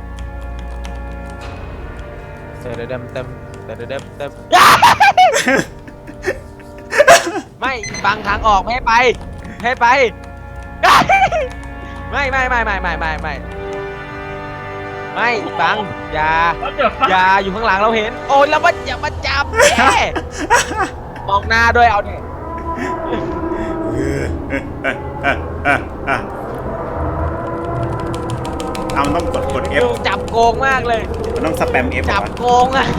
Speaker 2: เต็มเต็มเต็มเต็มเต็มเต็มไม่ฟังทางออกไม่ให้ไปไม่ให้ไป ไม่ไม่ไม่ไม่ไม่ไม่ไม่ไม่ฟังอย่า
Speaker 3: แล้วเดี๋ยวฟัง
Speaker 2: อย่าอยู่ข้างหลังเราเห็น โอ้ยแล้วมันอย่ามาจับแน่มองหน้าด้วยเอาเนี่ย
Speaker 1: เออเออเออเออเออเออเอามันต้องกดกด F
Speaker 2: ดูจับโกงมากเลย
Speaker 1: มันต้องสแปม F เหร
Speaker 2: จั
Speaker 1: อบ วะ
Speaker 2: โกงอ่ะ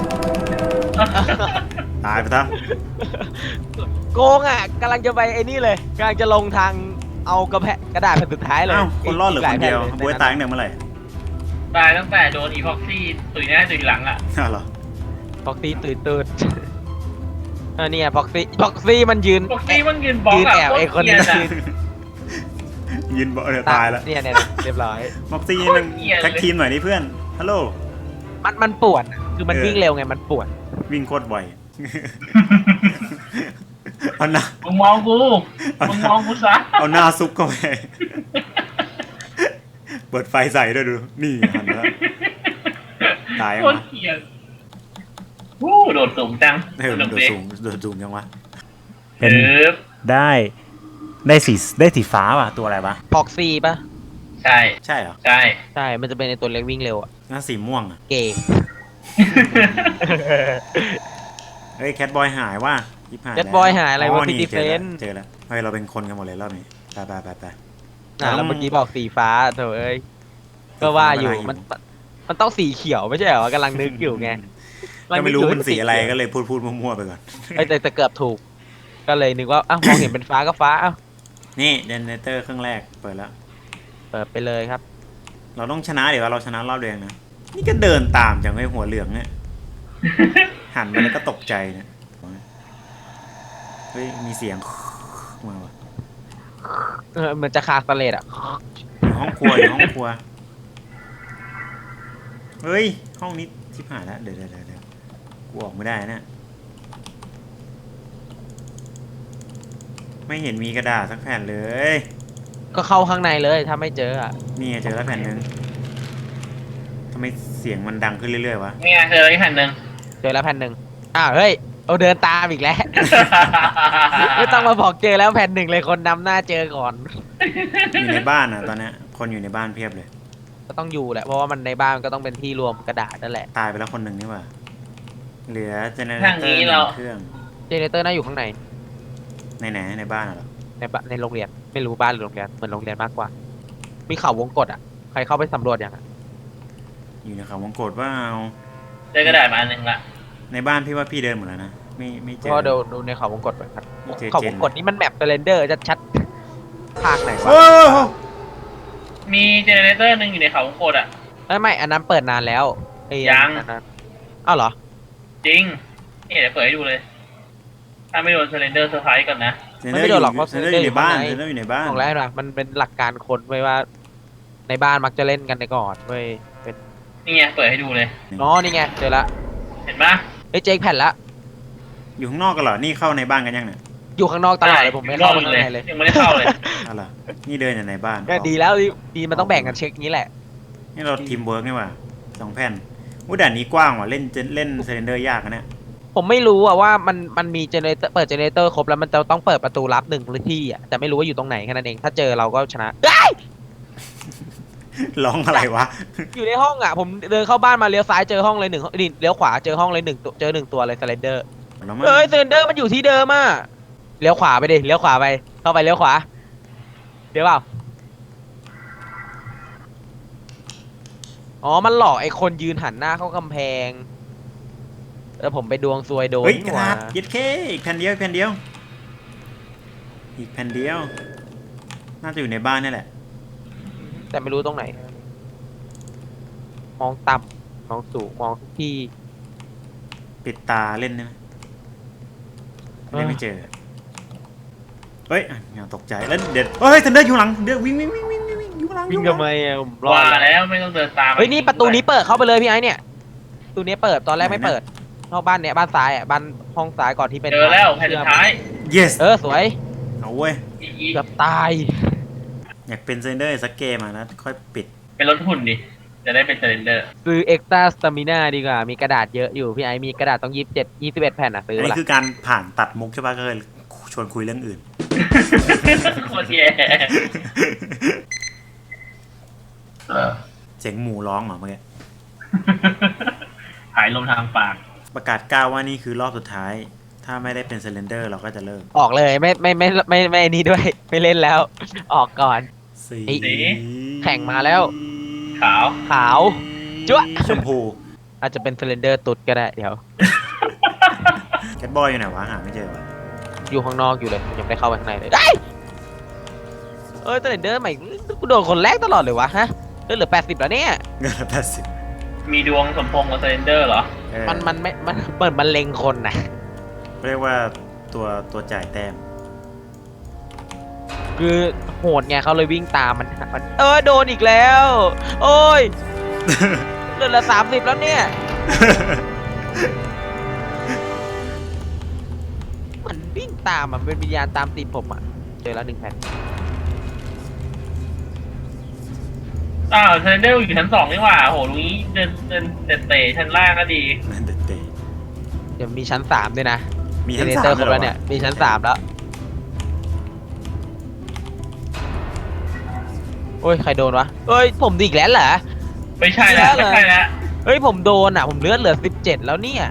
Speaker 1: ตายไปซะ
Speaker 2: โกงอ่ะกำลังจะไปไอ้นี่เลยกำลังจะลงทางเอากระแพะกระดาษแผ่นสุดท้ายเลย
Speaker 1: อ้าวคนรอดเหรือคนเดียว
Speaker 2: อีกหลาแผ่นล
Speaker 1: บวยตายตั้งแต่เมื่อไหร่
Speaker 3: ตายตั้งแต่โดนอีพ็อกซี่ตุยหน้าตุยหลังอ่ะ
Speaker 1: อ้าวเหรอ
Speaker 2: พ็อกซี่ตื่นตื่นเออเนี่ยพ็อกซี่พ็อกซี่มันยืน
Speaker 3: พ็อกซี่มันยืนบล็อก
Speaker 2: ยืน
Speaker 3: อ่ะ
Speaker 2: แอบไอ้คนนี้
Speaker 3: โตรเกลียด
Speaker 2: ยื
Speaker 3: อะ
Speaker 2: น
Speaker 1: ยืนเบาะเนี่ยตายแล้ว
Speaker 2: เนี่ยเนี่ยเรียบร้อย
Speaker 1: ม็อกซี่มัน
Speaker 3: โคตรเกลียดเลย
Speaker 1: แท็กทีมหน่อยนี่เพื่อน ฮัลโหล
Speaker 2: มันมันป่วนอะคือมัน
Speaker 1: เออ
Speaker 2: วิ่งเร็วไงมันป่วน
Speaker 1: วิ่งโคตรไว เอาหน้า
Speaker 3: มึงมองกูมึงมองกูซะ
Speaker 1: เอาหน้าซุกเข้าไป เปิดไฟใส่ด้วยดู นี่หันมาแล้ว ตายยัง
Speaker 3: โคว
Speaker 1: ะ
Speaker 3: ตรเกลียดวู้โดดสูงจัง
Speaker 1: เออมันโดดสูงโดดสูงยังวะ
Speaker 3: เห็น
Speaker 1: ได้ ได้สีได้สีฟ้าว่ะ ตัวอะไรวะ
Speaker 2: พ็อกซี่ปะ
Speaker 3: ใช่
Speaker 1: ใช่เหรอ
Speaker 3: ใช่
Speaker 2: ใช่มันจะเป็นในตัวเล็กวิ่งเร็วอะ
Speaker 1: น่าสีม่วงอ่ะ
Speaker 2: เกย์
Speaker 1: เฮ้ยแคทบอยหายว่ะยิบหาย
Speaker 2: แคทบอยหายอะไรวะพี่
Speaker 1: นี่
Speaker 2: ดิเฟ
Speaker 1: เจอแล้ว
Speaker 2: น
Speaker 1: เจอแล้วเฮ้ยเราเป็นคนกันหมดเลยรอบนี้ไปไปไปไป
Speaker 2: อ่ะแล้วเมื่อกี้บอกสีฟ้าโถเอ้ยก็ว่าอยู่มันมันต้องสีเขียวไม่ใช่เหรอกำลังนึกอยู่ไง
Speaker 1: ก็ไม่รู้
Speaker 2: กำลัง
Speaker 1: มันสีอะไร
Speaker 2: เขียว
Speaker 1: ก็เลยพูดพูดมั่วๆไปก่อน
Speaker 2: เอ้ยแต่แต่เกือบถูก ก็เลยนึกว่าอ้าวมองเห็นเป็นฟ้าก็ฟ้าอ้าว
Speaker 1: นี่เจเนเรเตอร์เครื่องแรกเปิดแล้ว
Speaker 2: เปิดไปเลยครับ
Speaker 1: เราต้องชนะเดี๋ยวเราชนะรอบเดียวนะ นี่ก็เดินตามจากไอ้หัวเหลืองเนี่ย หันไปแล้วก็ตกใจเนี่ย เฮ้ย มีเสียง มาว่ะ
Speaker 2: เออเหมือนจะคาสเลตอ่ะ
Speaker 1: อยู่ห้องครัวอยู่ห้องครัว เฮ้ย ห้องนี้ชิบหายแล้ว เดี๋ยวเดี๋ยวเดี๋ยวกูออกไม่ได้นะ ไม่เห็นมีกระดาษสักแผ่นเลย
Speaker 2: ก็เข้าข้างในเลยถ้าไม่เจออ่ะ
Speaker 1: นี่ไงเจอแล้วแผ่นหนึ่งทำไมเสียงมันดังขึ้นเรื่อยๆวะ
Speaker 3: นี่ไงเจออะไรแผ่นหนึ่ง
Speaker 2: เจอแล้วแผ่นหนึ่งอ้าวเฮ้ยเอาเดินตามอีกแล้ว ไม่ต้องมาบอกเจอแล้วแผ่นหนึ่งเลยคนนำหน้าเจอก่อน
Speaker 1: อยู่ในบ้านอ่ะตอนเนี้ยคนอยู่ในบ้านเพียบเลย
Speaker 2: ก็ต้องอยู่แหละเพราะว่ามันในบ้านก็ต้องเป็นที่รวมกระดาษนั่นแหละ
Speaker 1: ตายไปแล้วคนหนึ่งนี่หว่าเหลือเจเนเร
Speaker 3: ทาง
Speaker 1: เตอร์
Speaker 3: นี้
Speaker 1: ห
Speaker 3: เรา
Speaker 1: นึ่งเครื่อง
Speaker 2: เจเนเรเตอร์น่าอยู่ข้างใน
Speaker 1: ในไหนในบ้านอะเหรอ
Speaker 2: ในบ้านในโรงเรียนไม่รู้บ้านหรือโรงเรียนเหมือนโรงเรียนมากกว่า มีเขาวงกตอ่ะใครเข้าไปสำรวจยังอ่ะ
Speaker 1: อยู่ในเขาวงกตว่าเอา
Speaker 3: เจอกระดาษมาอันหนึ่งละ
Speaker 1: ในบ้านพี่ว่าพี่เดินหมดแล้วนะไม่ไม่เจอ
Speaker 2: ก็ดูดูในเขาวงกตไปครับ
Speaker 1: ไม่เจอ
Speaker 2: เขา
Speaker 1: เจ
Speaker 2: วน งกตนี่มันแมปเรนเดอร์ชัดๆภาคไหนวะ
Speaker 1: โอ้โห
Speaker 3: มีเจเนเรเตอร์หนึ่งอยู่ในเขาวงกตอ่ะ
Speaker 2: ไม่ไม่อันนั้นเปิดนานแล้วไอ้
Speaker 3: ยัง
Speaker 2: อันนั้นอ้าวเหรอ
Speaker 3: จริงนี่เดี๋ยวเปิดให้ดูเลย ถ้าไม่โดนเซเลนเดอร์เซอร์ไพรส์ก่อนนะ
Speaker 1: เจเนเรเตอร์อยู่เจเนเรเตอร์อยู่ในบ้านเจเนเรเตอร์อยู่ในบ้าน
Speaker 2: บอกแล้วนะมันเป็นหลักการคนไว้ว่า ในบ้านมักจะเล่นกันในก่อนเว้ยเป็น
Speaker 3: นี่ไงเปิดให้ดูเลย
Speaker 2: อ๋อนี่ไงเจอละ
Speaker 3: เห็นปะ
Speaker 2: เอ้ยเจ๊กแผ่นละ
Speaker 1: อยู่ข้างนอกกันเหรอนี่เข้าในบ้านกันยังเนี่ย
Speaker 2: อยู่ข้างนอกตลอดเลยผมไม่เข้าไปข้างในเลย
Speaker 3: ยังไม่ได้เข้าเลย
Speaker 1: อะไรนี่เดินอยู่ในบ้าน
Speaker 2: ก็ดีแล้วดีดีมันต้องแบ่งกันเช็คนี้แหละ
Speaker 1: นี่เราทีมเวิร์กนี่หว่าสองแผ่นอู้ด่านนี้กว้างว่ะเล่นเล่นเซนเดอร์ยากนะเนี่ย
Speaker 2: ผมไม่รู้อะว่ามันมันมีเจเนเรเตอร์เปิดเจเนเรเตอร์ครบแล้วมันจะต้องเปิดประตูลับหนึ่งที่อะแต่ไม่รู้ว่าอยู่ตรงไหนแค่นั้นเองถ้าเจอเราก็ชนะเอ้ย
Speaker 1: ร้องอะไรวะ
Speaker 2: อยู่ในห้องอะผมเดินเข้าบ้านมาเลี้ยวซ้ายเจอห้องเลยหนึ่งนี่เลี้ยวขวาเจอห้องเลยหนึ่งตัวเจอหนึ่งตัวเลยสไลเดอร์
Speaker 1: แล้วมัน
Speaker 2: เอ้ยสไลเดอร์มันอยู่ที่เดิมอะเลี้ยวขวาไปดิเลี้ยวขวาไปเข้าไปเลี้ยวขวาเดี๋ยวเปล่าอ๋อมันหลอกไอ้คนยืนหันหน้าเข้ากำแพงแล้วผมไปดวงซวยโดน
Speaker 1: เฮ้ยก
Speaker 2: นี่
Speaker 1: ระ
Speaker 2: ห
Speaker 1: ดา
Speaker 2: ว่า
Speaker 1: ษยึดเคอีกแผ่นเดียวอีกแผ่นเดียว อีกแผ่นเดียว น่าจะอยู่ในบ้านนี่แหละ
Speaker 2: แต่ไม่รู้ตรงไหน มองต่ำมองสูงมองทุกที่
Speaker 1: ปิดตาเล่นได้ไหมเล่นไม่เจอ เฮ้ยอ่ะอย่าตกใจแล้วเด็ดเฮ้ยทันเดอร์อยู่หลังเดือวิ่งวิ่งวิ่งวิ่งวิ่งวิ่งอยู่หลัง
Speaker 2: วิ่ง
Speaker 1: อยู่หลั
Speaker 2: ทำไมอะผมรอ
Speaker 3: ว่า
Speaker 2: ด
Speaker 3: แล้วไม่ต้องเดินตาม
Speaker 2: เฮ้ยนี่ประตูนี้เปิดเข้าไปเลยพี่ไอ้เนี่ยประตูนี้เปิดตอนแรกไม่เปิดนอกบ้านเนี้ยบ้านซ้ายอ่ะบ้านห้องซ้ายก่อนที่เป็น
Speaker 3: เจอแล้วแผ่นสุดท้าย
Speaker 1: yes
Speaker 2: เออสวย
Speaker 1: เอาเว้ย
Speaker 3: อีอี
Speaker 2: เกือบตาย
Speaker 1: อยากเป็นเซนเดอร์สักเกมอ่ะนะค่อยปิด
Speaker 3: เป็นรถหุ่นดิ จะได้เป็นเซเลนเดอร์
Speaker 2: ซื้อเอ็กซ์ตร้าสตามิน่าดีกว่ามีกระดาษเยอะอยู่พี่ไอ้มีกระดาษต้องยี่สิบเจ็ดยี่สิบเอ็ดแผ่นอ่ะซื้อ
Speaker 1: อันนี้
Speaker 2: ละ
Speaker 1: คือการผ่านตัดมุกใช่ปะก็เลยชวนคุยเรื่องอื่น
Speaker 3: โคตรแย่
Speaker 1: เสียงหมูร้องเหรอเมื่อกี้
Speaker 3: หายลมทางปาก
Speaker 1: ประกาศก้าวว่านี่คือรอบสุดท้าย ถ้าไม่ได้เป็นเซเลนเดอร์เราก็จะเลิก
Speaker 2: ออกเลยไม่ไม่ไม่ไม่ไม่ไม่นี่ด้วย ไม่เล่นแล้ว ออกก่อน
Speaker 1: สี
Speaker 2: ไอ้แข่งมาแล้ว
Speaker 3: ขาว
Speaker 2: ขาวจั๊วะ
Speaker 1: ชมพู
Speaker 2: อาจจะเป็นเซเลนเดอร์ตุดก็ได้เดี๋ยว
Speaker 1: แคทบอยอยู่ไหนวะหาไม่เจอวะ
Speaker 2: อยู่ข้างนอกอยู่เลยยังไม่ได้เข้าไปข้างในเลยได้เอ้ยเซเลนเดอร์ใหม่กูโดนคนแรกตลอดเลยวะฮะเลือดเหลือแปดสิบแล้วเนี่ย
Speaker 1: เงินละแปดสิบ
Speaker 3: มีดวงสมพงษ์กับเซเลนเดอร์เหรอ
Speaker 1: เออ
Speaker 2: มันมันไม่มันเปิดมันเล็งคนนะ
Speaker 1: เรียกว่าตัวตัวจ่ายแต้ม
Speaker 2: คือโหดไงเขาเลยวิ่งตามมันมันเออโดนอีกแล้ว โอ้ยเลือดเหลือสามสิบแล้วเนี่ยมันวิ่งตามอ่ะมันเป็นวิญญาณตามตีนผมอ่ะเจอแล้วหนึ่งแผ่น
Speaker 3: อ้าวเซเลนเดอร์อยู่ชั้นสองนี่หว่าโหลุงนี้เดินเดินเตะเตะชั้นล่างก็ดี
Speaker 1: นั่นเด็ดเตะ
Speaker 2: เดี๋ยวมีชั้นสามด้วยนะ
Speaker 1: มี
Speaker 2: เจ
Speaker 1: ทั้ง
Speaker 2: เน
Speaker 1: สา
Speaker 2: เตอ
Speaker 1: ม
Speaker 2: ร์ครบแล้วเนี่ยมีชั้นสามแล้วโอ้ยใครโดนวะเอ้ยผมดีอีกแล้วเหรอ
Speaker 3: ไม่ใช่แล้วไม่ใช่แล้ว
Speaker 2: เฮ้ยผมโดนอ่ะผมเลือดเหลือสิบเจ็ดแล้วเนี่ย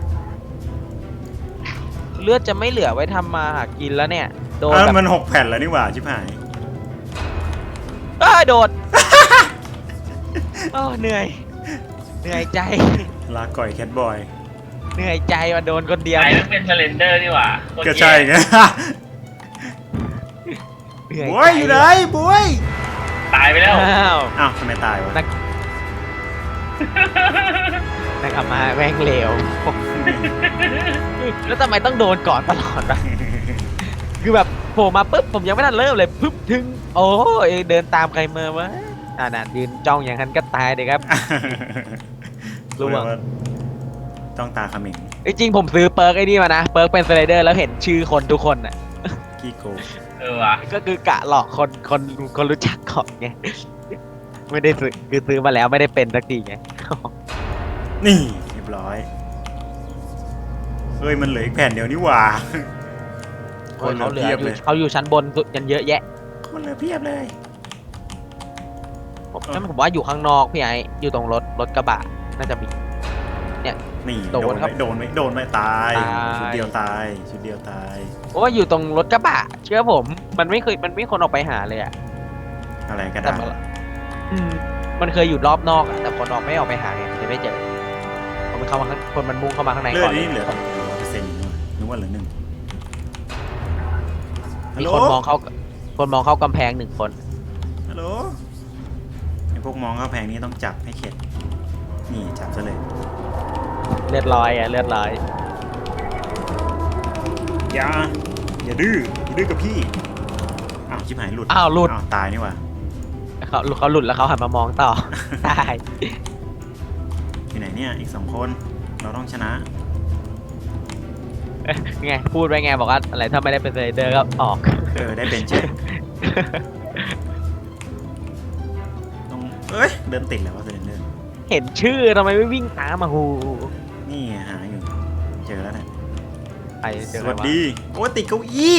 Speaker 2: เลือดจะไม่เหลือไว้ทำมาหากินแล้วเนี่ยโดน
Speaker 1: เออ
Speaker 2: แบบ
Speaker 1: มันหกแผ่นแล้วนี่หว่าชิบหาย
Speaker 2: เอ้ยโดน โอ้เหนื่อยเหนื่อยใจ
Speaker 1: ลาก่อยแคทบอย
Speaker 2: เหนื่อยใจว่าโดนคนเดียว
Speaker 3: ไอ้นั่นเป็นเซเลนเดอร์นี่หว่าโคตร
Speaker 1: ก็
Speaker 3: แย่
Speaker 1: ใช่ไง
Speaker 2: เหนื่อย
Speaker 1: บวยอยู่ไหนบวย
Speaker 3: ตายไปแล้ว
Speaker 2: อ้าว
Speaker 1: อ้าวทำไมตายวะ
Speaker 2: นักนักอามาแม่งเลวแล้วทำไมต้องโดนก่อนตลอดวะคือแบบโผล่มาปุ๊บผมยังไม่ทันเริ่มเลยปุ๊บถึงโอ้ยเดินตามใครมาวะอ่านั่นยืนจ้องอย่างนั้นก็ตายเลยครับ ระวัง
Speaker 1: ต้องตาเขมิง
Speaker 2: จริงๆผมซื้อเปิร์กไอ้นี่มานะเปิร์กเป็นสไลเดอร์แล้วเห็นชื่อคนทุกคนน่ะ
Speaker 1: กี้โก
Speaker 3: เออว่ะ
Speaker 2: ก็คือกะหลอกคนคนคนรู้จักก่อนไงไม่ได้ซื้อคือซื้อมาแล้วไม่ได้เป็นสักทีไง
Speaker 1: นี่เรียบร้อยเฮ้ยมันเหลืออีกแผ่นเดียวนี่หว่า
Speaker 2: โอ้ยเขาเหลือ
Speaker 1: เพี
Speaker 2: อย
Speaker 1: บ
Speaker 2: ยู่
Speaker 1: เลย
Speaker 2: เขาอยู่ชั้นบนสุดกันเยอะแยะ
Speaker 1: คนเหลือเพียบเลย
Speaker 2: ผม
Speaker 1: เออ
Speaker 2: นั่นผมว่าอยู่ข้างนอกพี่ไอ้อยู่ตรงรถรถกระบะน่าจะมี
Speaker 1: นี่
Speaker 2: โด
Speaker 1: โด
Speaker 2: น
Speaker 1: น
Speaker 2: ครับ
Speaker 1: ไหมโดนไหมโดนไหมตาย
Speaker 2: ตาย
Speaker 1: ชุดเดียวตายชุดเดียวตาย
Speaker 2: เพราะว่าอยู่ตรงรถกระบะ เชื่อผม มันไม่เคยมันไม่มีคนออกไปหาเลยอะ
Speaker 1: อะไรก็
Speaker 2: แต่
Speaker 1: ได้
Speaker 2: มันอืมมันเคยอยู่รอบนอกอะแต่คนออกไม่ออกไปหาไงเลยไม่เจอคนมันเข้ามาข้างคนมันมุ่งเข้ามาข้างใน
Speaker 1: เลือ
Speaker 2: ก่
Speaker 1: ด
Speaker 2: อนเล
Speaker 1: นี่
Speaker 2: ย
Speaker 1: เหลือร้อยเปอร์เซ็นต์นึกว่าเหลือหนึ่งฮัล
Speaker 2: มี
Speaker 1: โหล
Speaker 2: คนมองเข้าคนมองเข้ากำแพงหนึ่งคน
Speaker 1: ฮัลโหลไอพวกมองเข้าแพงนี้ต้องจับให้เข็ดนี่จับซะเลย
Speaker 2: เลือดลอยอะเลือดลอย
Speaker 1: อย่าอย่าดื้ออย่าดื้อกับพี่อ้าวชิบหายหลุด
Speaker 2: อ้าวหลุด
Speaker 1: อ้าวตายนี่หว่า
Speaker 2: เขาเขาหลุดแล้วเขาหันมามองต่อ ได้
Speaker 1: อยู่ไหนเนี่ยอีกสองคนเราต้องชนะ
Speaker 2: ไงพูดไว้ไงบอกว่าอะไรถ้าไม่ได้เป็นเซเดอร์ก็ออก
Speaker 1: เออได้เป็นเฉยต้องเอ้ยเดินติดแล้วว่าเซเลนเดอร์
Speaker 2: เห็นชื่อทำไมไม่วิ่งตามมาหู
Speaker 1: นี่ไงหาอยู่เจอแล้วเนี่ย
Speaker 2: ไปเจ
Speaker 1: ส
Speaker 2: อ
Speaker 1: วัสดีโอ้ยติดเก้าอี้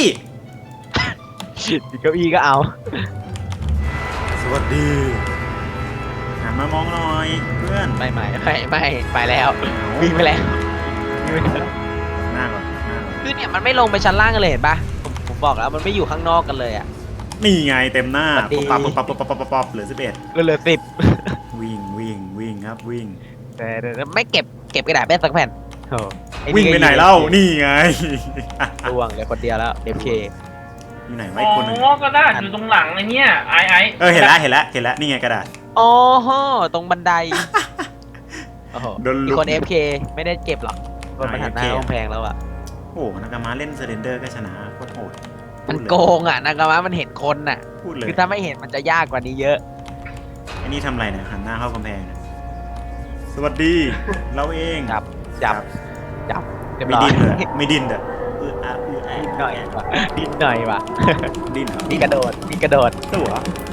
Speaker 2: เก้าอี้ก็เอา
Speaker 1: สวัสดีหันมามองหน่อยเพื่อน
Speaker 2: ไม่ไม่ไม่ไม่ไปแล้ววิ่งไปแล้ววิ่งไปแล้ว
Speaker 1: หน้าก่อนหน้าก่อน
Speaker 2: คือเนี่ยมันไม่ลงไปชั้นล่างกันเลยเห็นปะผมผมบอกแล้วมันไม่อยู่ข้างนอกกันเลยอ่ะ
Speaker 1: นี่ไงเต็มหน้า
Speaker 2: สวัสดี
Speaker 1: ปุ๊บปั๊บปุ๊บปั๊บปุ๊บปั๊บปุ๊บปั๊บเหลือสิบเอ็ด
Speaker 2: เหลือสิบ
Speaker 1: วิ่งวิ่งวิ่งครับวิ่ง
Speaker 2: แต่แต่ไม่เก็บเก็บกระดาษแป้สักแผ่นโอ้อ้
Speaker 1: วิ่งไปไหนเล่านี่ไง
Speaker 2: ร่วงเลยคนเดียวแล้วเอฟเค
Speaker 1: อยู่ไหน
Speaker 3: อ๋
Speaker 1: ไวะอีกคนหนึง
Speaker 3: อก็ได้อยู่ตรงหลังไอ้เนี่ยไอ้ไอ้
Speaker 1: เออเห็นแล้วเห็นแล้วเห็นแล้วนี่ไงกระดาษ
Speaker 2: อ๋อฮะตรงบันไดโอ้โห
Speaker 1: โดนลุก
Speaker 2: มีคนเอฟเคไม่ได้เก็บหรอกคนมันหันหน้า
Speaker 1: อ่า AFK
Speaker 2: กำแพงแล้วอ่ะ
Speaker 1: โอ้โหนากามาเล่นเซเลนเดอร์ก็ชนะโคตรโหด
Speaker 2: มัน
Speaker 1: พูดเลย
Speaker 2: โกงอ่ะนากามะมันเห็นคนน่ะ
Speaker 1: พูดเลย
Speaker 2: คือถ้าไม่เห็นมันจะยากกว่านี้เยอะ
Speaker 1: ไอ้นี่ทำอะไรเนี่ยหันหน้าเข้ากำแพงเนี่ยสวัสดี เราเอง
Speaker 2: จับจับจับเรียบ
Speaker 1: ไม่
Speaker 2: ร้อย
Speaker 1: ดิ้นเลยไม่ดิ้นเด้อเอออะเอออะ
Speaker 2: นิดหน่อยว่ะนิดหน่อยว่ะ
Speaker 1: ดิ้นเหรอ
Speaker 2: มีกระโดดมีกระโดด
Speaker 1: ตัว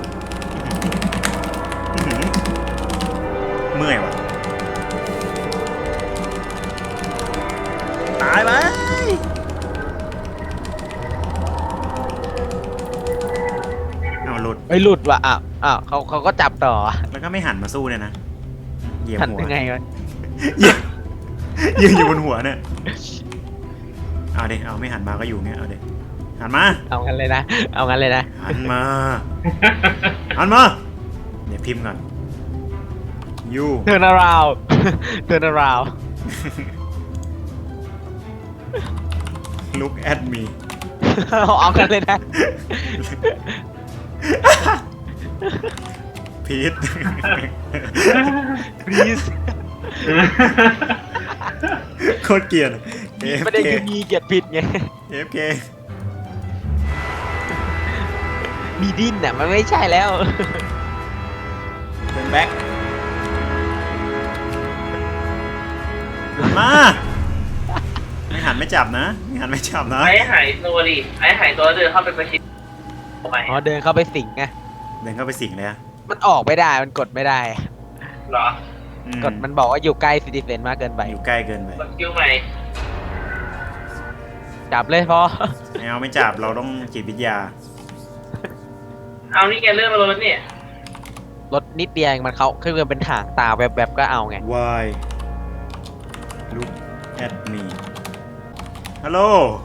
Speaker 1: อื้อหือเมื่อยว่ะตายไปเอาหลุด
Speaker 2: ไอ้ยหลุดว่ะอ้าวอ้าวเขาเขาก็จับต่อ
Speaker 1: แล้วก็ไม่หันมาสู้เนี่ยนะเหยียบ
Speaker 2: ทัน
Speaker 1: หัว
Speaker 2: ยังไงวะ
Speaker 1: เหยียบยืนอยู่บนหัวเนี่ยเอาเด็เอาไม่หันมาก็อยู่เนี่ยเอาเด็หันมา
Speaker 2: เอางั้นเลยนะเอางั้นเลยนะ
Speaker 1: หันมา หันมาเดี๋ยวพิมพ์ก่อน you
Speaker 2: turn around turn around
Speaker 1: look at me
Speaker 2: เอากันเลยนะ
Speaker 1: Pete
Speaker 2: please
Speaker 1: โคตรเกลียด
Speaker 2: ไม่ได้
Speaker 1: เอฟ
Speaker 2: ยู
Speaker 1: เค
Speaker 2: มีเกียรติผิดไง
Speaker 1: เอฟเค
Speaker 2: มีดิ้นน่ะมันไม่ใช่แล้ว
Speaker 1: เป็นแบ็คหันมา ไม่หันไม่จับนะไม่หันไม่จับนะ
Speaker 3: ไอ้หายตัวดิไอ้หายตัวเดินเข้าไปประชิดทำไม
Speaker 2: อ๋อเดินเข้าไปสิงไง
Speaker 1: เดินเข้าไปสิงเลยอะ
Speaker 2: มันออกไม่ได้มันกดไม่ได้
Speaker 3: เหรอ
Speaker 1: อื
Speaker 2: กดมันบอกว่าอยู่ใกล้ซิติเซนมากเกินไป
Speaker 1: อยู่ใกล้เกินไป
Speaker 3: กดคิวใหม่
Speaker 2: จับเลยพอ
Speaker 1: ไม่เอาไม่จับเราต้องจิตวิทยา
Speaker 3: เอานี่แกเลื่อนมาลงแล้วเนี่ย
Speaker 2: รถนิดเดียวเองมันเขาคือมันเป็นถางตาแวบๆก็เอาไง
Speaker 1: Why look at me ฮัลโหล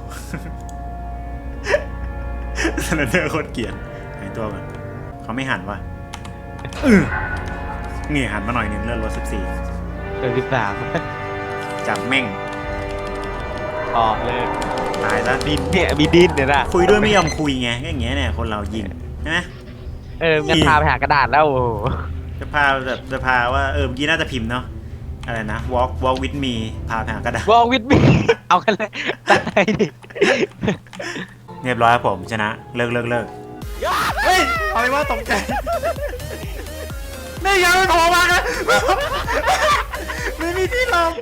Speaker 1: สแลนเดอร์โคตรเกลียดหายตัวก่อนเขาไม่หันว่ะอื้อนี่หันมาหน่อยหนึ่งเลื่อนรถสิบสี่
Speaker 2: เดือนสิบสาม
Speaker 1: จับแม่ง
Speaker 2: ออกเลย
Speaker 1: ตายซะ
Speaker 2: ดินเนี่ยมีดินเนี่ยนะ
Speaker 1: คุยด้วยไม่ยอมคุยไงก็อย่างเงี้ยเนี่ยคนเรายิงใช่ไหม
Speaker 2: เอองั้นพาไปหากระดาษแล้วโอ้โห
Speaker 1: จะพาแบบจะพาว่าเออเมื่อกี้น่าจะพิมพ์เนาะอะไรนะ walk walk with me พาไปหากระดาษ
Speaker 2: วอลวิดมีเอากันเลยตายดิ
Speaker 1: เรียบร้อยครับผมชนะเลิกเลิกเลิกเฮ้ยเอาไปว่าตกใจนี่ยังไม่พอมากันไม่มีที่ลง